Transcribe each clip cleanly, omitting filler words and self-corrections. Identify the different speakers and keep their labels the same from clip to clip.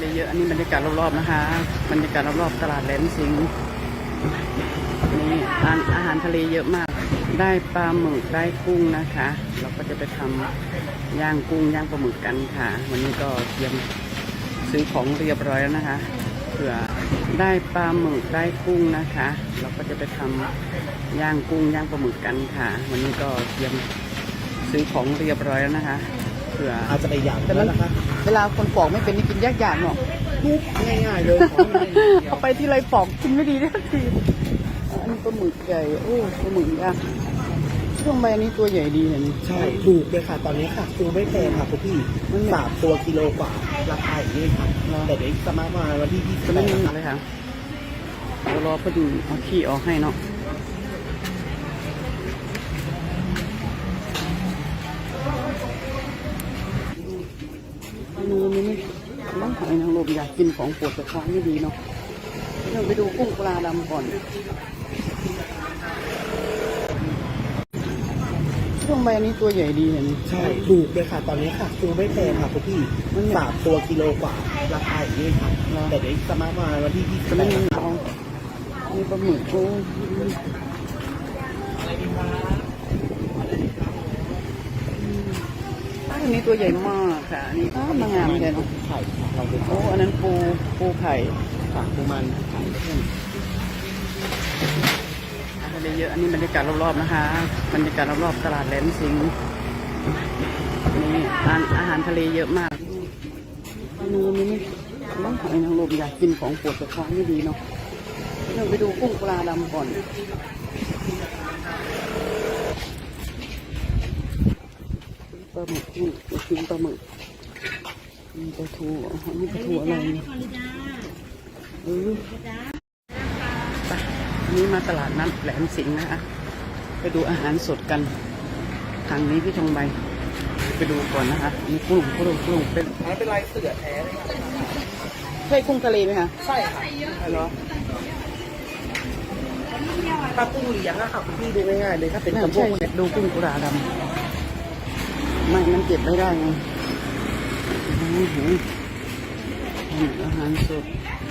Speaker 1: ทะเลเยอะอันนี้บรรยากาศรอบๆนะคะบรรยากาศรอบๆตลาดแหลมสิงห์นี่อาหารทะเลเยอะมากได้ปลาหมึกได้กุ้งนะคะเราก็จะไปทำย่างกุ้งย่างปลาหมึกกันค่ะวันนี้ก็เตรียมซื้อของเรียบร้อยแล้วนะคะเผื่อได้ปลาหมึกได้กุ้งนะคะเราก็จะไปทำย่างกุ้งย่างปลาหมึกกันค่ะวันนี้ก็เตรียมซื้อของเรียบร้อยแล้วนะคะเผื่อ
Speaker 2: อาจจะไปอย่าง
Speaker 1: แต่
Speaker 2: นั้นนะคะ
Speaker 1: เวลาคนปอกไม่เป็นนี่กินยากๆเนาะ
Speaker 2: ง่ายๆเลยของง่ายๆเดียว
Speaker 1: เอาไปที่ไรปอกกินไม่ดีทันทีอันนี้ปลาหมึกใหญ่โอ้ปลาหมึกย่างช่วงใบอันนี้ตัวใหญ่ดีเห็น
Speaker 2: ใช่ถูกเลยค่ะตอนนี้ค่ะซื้อไม่แพงค่ะคุณพี่3 ตัวกิโลกว่าราคาอย่างนี้ค่ะแต่เดี๋ยวจะมาวันที่
Speaker 1: จะไม่มี
Speaker 2: 28
Speaker 1: เลยค่ะเดี๋ยวรอพอดีเอาขี้ออกให้เนาะเมนูนี้น้ำหอยนางรมอยากกินของปวดแต่ท้องไม่ดีเนาะเราไปดูกุ้งปลาดำก่อนช่วงใบอันนี้ตัวใหญ่ดีเห็น
Speaker 2: ใช่ถูกเลยค่ะตอนนี้ค่ะซื้อไม่แพงค่ะคุณพี่3 ตัวกิโลกว่าราคาอย่างนี้ค่ะแต่เดี๋ยวจะมาวันที่
Speaker 1: จะไม่มี
Speaker 2: 28
Speaker 1: เอามีปลาหมึกโอ้อันนี้ตัวใหญ่มากค่ะอันนี้มางามเลยเนาะ
Speaker 2: ไข่เราเป็น
Speaker 1: โอ้อันนั้นปูไข่
Speaker 2: ค่ะปูมันไข่
Speaker 1: ทะเลเยอะอันนี้บรรยากาศรอบๆนะคะบรรยากาศรอบๆตลาดแหลมสิงห์นี่อาหารทะเลเยอะมากเมนูนี้น้ำหอยนางรมอยากกินของปวดแต่ท้องไม่ดีเนาะเราไปดูกุ้งปลาดำก่อนปลาหมึกกุ้งกินปลาหมึกมีปลาทูอันนี้ปลาทูอะไรไปอันนี้มาตลาดนัดแหลมสิงห์นะคะไปดูอาหารสดกันทางนี้พี่ชงใบไปดูก่อนนะคะมีกุ้งเป็น
Speaker 2: เป็นลายเสือแท้เลยค่ะ
Speaker 1: ใช่กุ้งทะเลไหมคะ
Speaker 2: ใช่ค่ะ
Speaker 1: ใช่เหรอ
Speaker 2: ถ้ากุ้งเลี้ยงอะค่ะคุณพี่ดูง่ายๆเลยถ้าเป็นกระพ
Speaker 1: ใช่
Speaker 2: ง
Speaker 1: ดูกุ้งกุราดำไม่มันเก็บไม่ได้ไงอื้อหืออาหารสด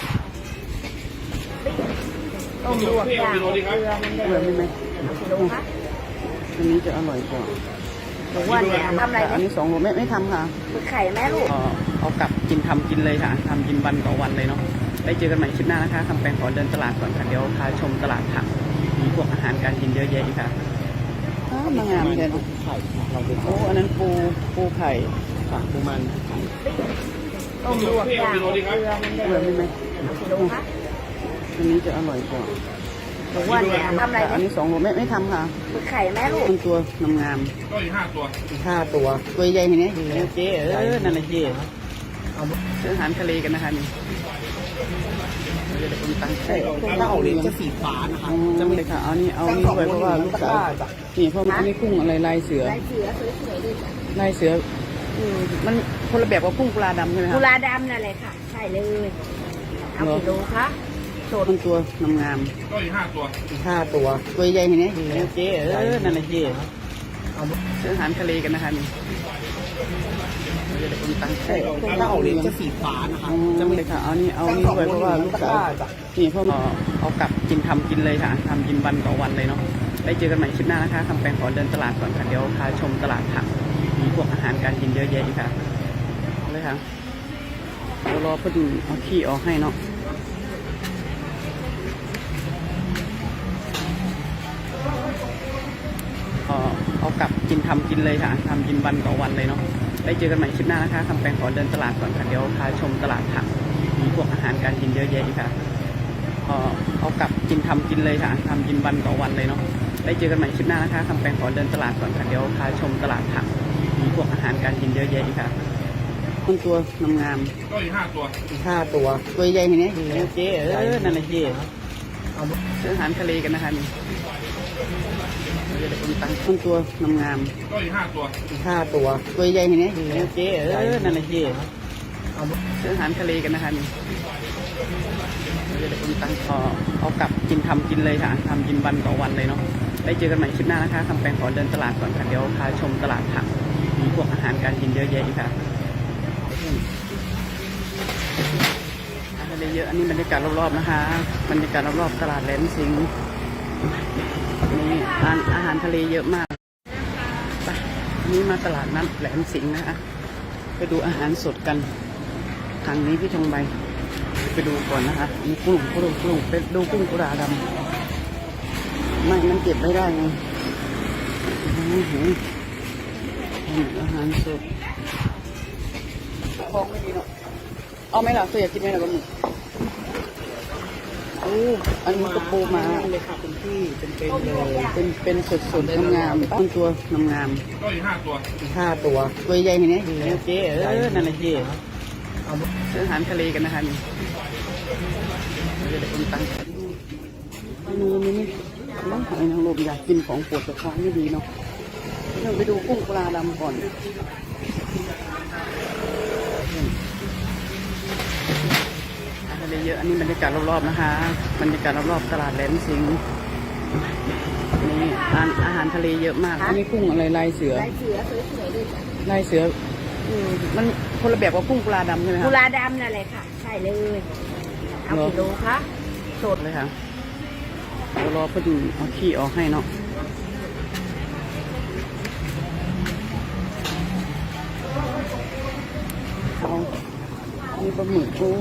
Speaker 3: ต้มลวกย่างเกลือมัน
Speaker 1: เกลือไม่ไหม
Speaker 3: กิโลคะ
Speaker 1: อันนี้จะอร่อยกว่า
Speaker 3: หนูว่าเนี่ยทำอะไรไหม
Speaker 1: อันนี้2 โลไม่ทำค่ะ
Speaker 3: คือไข่แม่ลูก
Speaker 1: เอากลับกินทำกินเลยค่ะทำกินวันต่อวันเลยเนาะได้เจอกันใหม่คลิปหน้านะคะคำแปลงขอเดินตลาดก่อนค่ะเดี๋ยวพาชมตลาดผักมีพวกอาหารการกินเยอะแยะอีกค่ะมางามเลยเนาะ
Speaker 2: ไข่เราเป็น
Speaker 1: โอ้อันนั้นปูไข่
Speaker 2: ค่ะปูมันไข่
Speaker 3: ต้มลวกย่างเกลือมัน
Speaker 1: เกลือไม่ไหม
Speaker 3: กิโลคะ
Speaker 1: อันนี้จะอร่อยกว่า
Speaker 3: หนูว่าเนี่ยทำอะไรไหม
Speaker 1: อันนี้2 โลไม่ทำค่ะ
Speaker 3: คือไข่แม่ลูก
Speaker 1: มันตัวงาม
Speaker 2: ก็อีก5 ตัว
Speaker 1: ตัวใหญ่เห็นไหมเจ๊นั่นแหละเจ๊
Speaker 2: เอา
Speaker 1: ซื้ออาหารทะเลกันนะคะนี่เดี๋ยวคนตั้งใจ
Speaker 2: ถ้าออกลิ้นจะสีฟ้านะคะ
Speaker 1: จะไม่เลยค่ะเอานี่ไว้เพราะว่าลูกสาวนี่เพราะอันนี้กุ้งอะไรลายเสือ
Speaker 3: ลายเสือสวยๆเลยจ้ะ
Speaker 1: ลายเสือมันคนละแบบกับกุ้งปลาดำใช่ไหม
Speaker 3: กุ
Speaker 1: คะ
Speaker 3: ลาดำนั่นแหละค่ะใช่เลยเอากิโลคะสด
Speaker 1: มันตัวงาม
Speaker 2: ก็อีก5 ตัว
Speaker 1: ตัวใหญ่เห็นไหมเจ๊นั่นแหละเจ๊
Speaker 2: เอา
Speaker 1: ซื้ออาหารทะเลกันนะคะนี่เดี๋ยวคนตั้งใจ
Speaker 2: ถ้าออกลิ้นจะสีฟ้านะคะ
Speaker 1: จะไม่เลยค่ะเอานี่ไว้เพราะว่าลูกสาวนี่เพราะเอากลับกินทำกินเลยค่ะทำกินวันต่อวันเลยเนาะได้เจอกันใหม่คลิปหน้านะคะคำแปลงขอเดินตลาดก่อนค่ะเดี๋ยวพาชมตลาดผักมีพวกอาหารการกินเยอะแยะอีกค่ะเลยค่ะเดี๋ยวรอพอดีเอาขี้ออกให้เนาะเอากลับกินทำกินเลยค่ะทำกินวันต่อวันเลยเนาะได้เจอกันใหม่คลิปหน้านะคะคำแปลงขอเดินตลาดก่อนค่ะเดี๋ยวพาชมตลาดผักมีพวกอาหารการกินเยอะแยะอีกค่ะเอากลับกินทำกินเลยค่ะทำกินวันต่อวันเลยเนาะได้เจอกันใหม่คลิปหน้านะคะคำแปลงขอเดินตลาดก่อนค่ะเดี๋ยวพาชมตลาดผักมีพวกอาหารการกินเยอะแยะอีกค่ะมันตัวงาม
Speaker 2: ก็อีก5 ตัว
Speaker 1: ตัวใหญ่เห็นไหมเจ๊นั่นแหละเจ๊
Speaker 2: เอา
Speaker 1: ซื้ออาหารทะเลกันนะคะนี่เดี๋ยวคนตั้งมันตัวงาม
Speaker 2: ก็อีก5 ตัว
Speaker 1: ตัวใหญ่เห็นไหมเจ๊นั่นแหละเจ๊
Speaker 2: เอา
Speaker 1: ซื้ออาหารทะเลกันนะคะนี่เดี๋ยวคนตั้งเอากลับกินทำกินเลยค่ะทำกินวันต่อวันเลยเนาะได้เจอกันใหม่คลิปหน้านะคะคำแปลงขอเดินตลาดก่อนค่ะเดี๋ยวพาชมตลาดผักมีพวกอาหารการกินเยอะแยะอีกค่ะอาหารทะเลเยอะอันนี้บรรยากาศรอบๆนะคะบรรยากาศรอบๆตลาดแหลมสิงห์นี่อาหารทะเลเยอะมากไปนี่มาตลาดนัดแหลมสิงห์นะคะไปดูอาหารสดกันทางนี้พี่ทองใบไปดูก่อนนะคะมีกุ้งไปดูกุ้งกุราดำไม่มันเก็บไม่ได้ไงอาหารสดของไม่ดีเนาะเอาไหมล่ะตัวอยากกินไหมล่ะบะหมี่โอ้อันนี้ก็ปูมาเลยค่ะคุณพี่เป็นเลยเป็นสดๆงามๆตั้งตัวงาม
Speaker 4: ก็อีก5 ตัว
Speaker 2: 5 ตัว
Speaker 1: ๆตัวใหญ่เห็นไหมเจ๊นั่นแหละเจ๊ซื้ออาหารทะเลกันนะคะนี่เดี๋ยวคนตั้งนี่น้องหอยนางรมอยากกินของปวดกระท้องไม่ดีเนาะเราไปดูกุ้งปลาดำก่อนทะเลเยอะอันนี้บรรยากาศรอบๆนะคะบรรยากาศรอบๆตลาดแหลมสิงห์นี่อาหารทะเลเยอะมากอันนี้กุ้งอะไรลายเสือ
Speaker 3: ลายเสือสวยๆด้วยจ้ะ
Speaker 1: ลายเสือมันคนละแบบกับกุ้งปลาดำใช่ไหมค
Speaker 3: กุ
Speaker 1: รับ
Speaker 3: ลาดำนั่นแหละค่ะ ใช่เลยเอากี่โลคะ
Speaker 1: สดเลยค่ะเดี๋ยวรอพอดีเอาขี้ออกให้เนาะเอานี่ปลาหมึกโอ้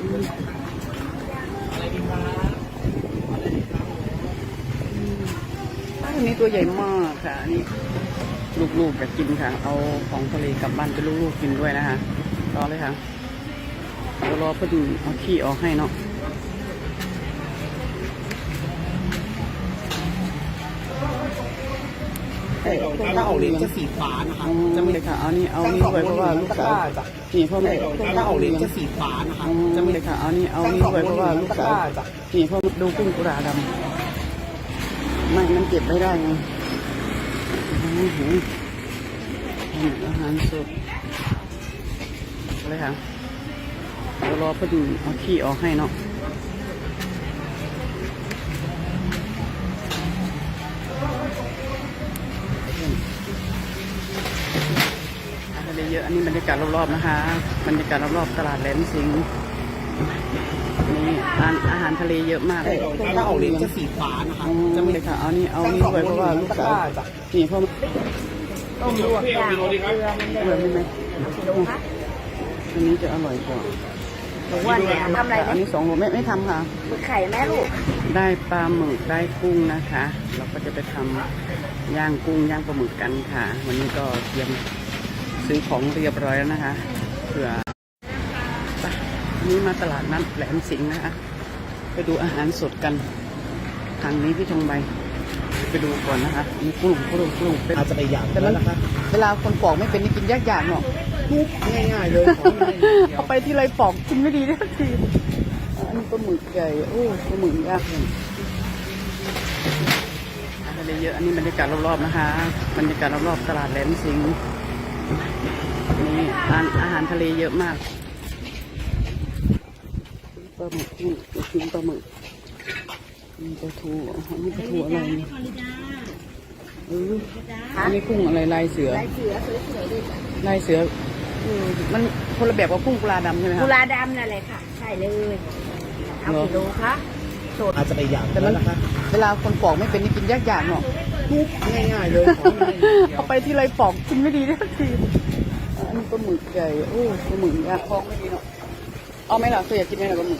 Speaker 1: อันนี้ตัวใหญ่มากค่ะอันนี้ลูกๆจะกินค่ะ เอาของทะเลกลับบ้านไปลูกๆกินด้วยนะคะรอเลยค่ะเดี๋ยวรอพอดีเอาขี้ออกให้เนาะ
Speaker 2: ถ้าออกเลี้ยงจะสีฟ้านะคะ
Speaker 1: จะไม่เลยค่ะเอานี่ไว้เพราะว่าลูกสาวนี่พ่อแม่
Speaker 2: ถ้าออกเลี้ยงจะสีฟ้านะคะจะ
Speaker 1: ไม่
Speaker 2: ไม่
Speaker 1: เลยค่ะเอานี่ไว้เพราะว่าลูกสาวนี่พ่อดูกุ้งกุราดำไม่มันเก็บไม่ได้ไงอาหารสดเลยค่ะเดี๋ยวรอพอดีเอาขี้ออกให้เนาะทะเลเยอะอันนี้บรรยากาศรอบๆนะคะบรรยากาศรอบๆตลาดแหลมสิงห์นี่อาหารทะเลเยอะมาก
Speaker 2: ถ้าออกเลี้ยงจะสีฟ้านะคะ
Speaker 1: จะไม่เลยค่ะเอานี่ไว้เพราะว่าลูกสาวนี่พ่อ
Speaker 3: ต้มลวกย่างเกลือมัน
Speaker 1: เหมือนไหม
Speaker 3: เอากี่โลคะ
Speaker 1: อันนี้จะอร่อยกว่า
Speaker 3: หนูว่าเนี่ยทำอะไรไหม
Speaker 1: อันนี้2 โลไม่ทำค่ะ
Speaker 3: หมึกไข่แม่ลูก
Speaker 1: ได้ปลาหมึกได้กุ้งนะคะ เราก็จะไปทำย่างกุ้งย่างปลาหมึกกันค่ะ วันนี้ก็เตรียมซื้อของเรียบร้อยแล้วนะคะเผื่อไปนี่มาตลาดนัดแหลมสิงห์นะคะไปดูอาหารสดกันทางนี้พี่ทองใบไปดูก่อนนะคะมีกุ้งเป็น
Speaker 2: อาจจะไปอย่าง
Speaker 1: แต่
Speaker 2: นั้
Speaker 1: มัน น
Speaker 2: นะคะ
Speaker 1: เวลาคนปอกไม่เป็นนี่กินยากๆเนาะ
Speaker 2: ทุบง่ายๆเลยของมันเดียว
Speaker 1: เอาไปที่ไรปอกกินไม่ดีได้สักทีอันนี้ปลาหมึกใหญ่โอ้ปลาหมึกยากเลยอาหารทะเลเยอะอันนี้บรรยากาศรอบๆนะคะบรรยากาศรอบๆตลาดแหลมสิงห์นี่อาหารทะเลเยอะมากปลาหมึกนี่กินปลาหมึกมีปลาทูอันนี้ปลาทูอะไรเนี่ยอันนี้กุ้งอะไรลายเสือ
Speaker 3: ลายเสือสวยๆด้วยจ้ะ
Speaker 1: ลายเสือมันคนละแบบกับกุ้งปลาดำใช่ไหมค
Speaker 3: กุ
Speaker 1: รับ
Speaker 3: ลาดำนั่นแหละค่ะ ใช่เลยเอากี่โลคะ
Speaker 2: อาจจะไปอย่าง
Speaker 1: แต่มัน
Speaker 2: นั้นนะคะ
Speaker 1: เวลาคนปอกไม่เป็นนี่กินยากๆเนาะ
Speaker 2: ทุบง่ายๆเลยของมันเดียว
Speaker 1: เอาไปที่ไรปอกกินไม่ดีได้สักทีอันนี้ปลาหมึกใหญ่โอ้ปลาหมึกยากท้องไม่ดีเนาะเอาไหมล่ะตัวอยากกินไหมล่ะปลาหมึก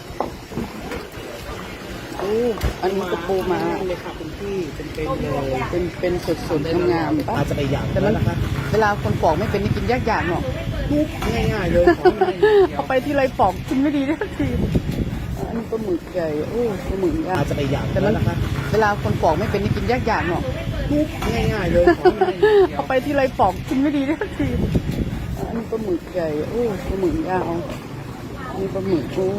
Speaker 1: โอ้อันนี้ก็ปูมา
Speaker 2: เลยค่ะคุณพี่เป็นเลย
Speaker 1: เป็นสดๆงามๆ
Speaker 2: อาจจะไปอย่าง
Speaker 1: แต่มัน
Speaker 2: นั้นนะคะ
Speaker 1: เวลาคนปอกไม่เป็นนี่กินยากๆเนาะ
Speaker 2: ทุบง่ายๆเลยของมันเดียว
Speaker 1: เอาไปที่ไรปอกกินไม่ดีได้สักทีอันนี้ปลาหมึกใหญ่โอ้ปลาหมึกยาก
Speaker 2: อาจจะไปอย่าง
Speaker 1: แต่
Speaker 2: นั้
Speaker 1: มัน น
Speaker 2: นะคะ
Speaker 1: เวลาคนปอกไม่เป็นนี่กินยากๆเนาะ
Speaker 2: ทุบง่ายๆเลยของมันเดียว
Speaker 1: เอาไปที่ไรปอกกินไม่ดีได้สักทีอันนี้ปลาหมึกใหญ่โอ้ปลาหมึกยาวอันนี้ปลาหมึกโอ้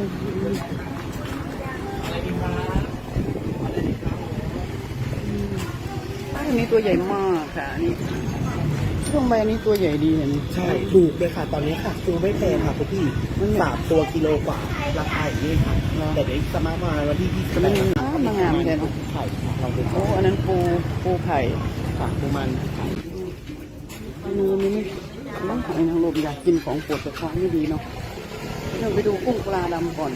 Speaker 1: อันนี้ตัวใหญ่มากค่ะอันนี้ช่วงใบอันนี้ตัวใหญ่ดีเห็น
Speaker 2: ใช่ถูกเลยค่ะตอนนี้ค่ะซื้อไม่แพงค่ะคุณพี่3 ตัวกิโลกว่าราคาอย่างนี้ค่ะแต่เดี๋ยวสมาร์ทมาวันที่28
Speaker 1: มางามเลย
Speaker 2: ไข่ค่ะเราเป็น
Speaker 1: โอ้อันนั้นปูไข่
Speaker 2: ค่ะปูมัน
Speaker 1: อันนี้ไม่น้องหอยนางรมอยากกินของปวดกระท้องไม่ดีเนาะเราไปดูกุ้งปลาดำก่อน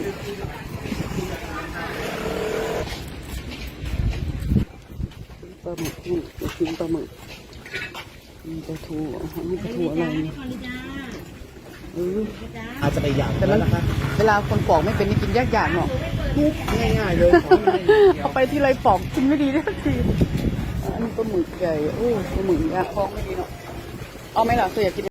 Speaker 1: ปลาหมึกกุ้งกินปลาหมึกมีปลาทูมีปลาทูอะไรเนี่ย
Speaker 2: อาจจะไปอย่าง
Speaker 1: แต่
Speaker 2: นั้
Speaker 1: มัน
Speaker 2: นนะคะ
Speaker 1: เวลาคนปอกไม่เป็นนี่กินยากๆเนาะ
Speaker 2: ทุบง่ายๆเลยของมันเดียว
Speaker 1: เอาไปที่ไรปอกกินไม่ดีได้สักทีอันนี้ปลาหมึกใหญ่โอ้ปลาหมึกยากท้องไม่ดีเนาะเอาไหมล่ะเธออยากกิน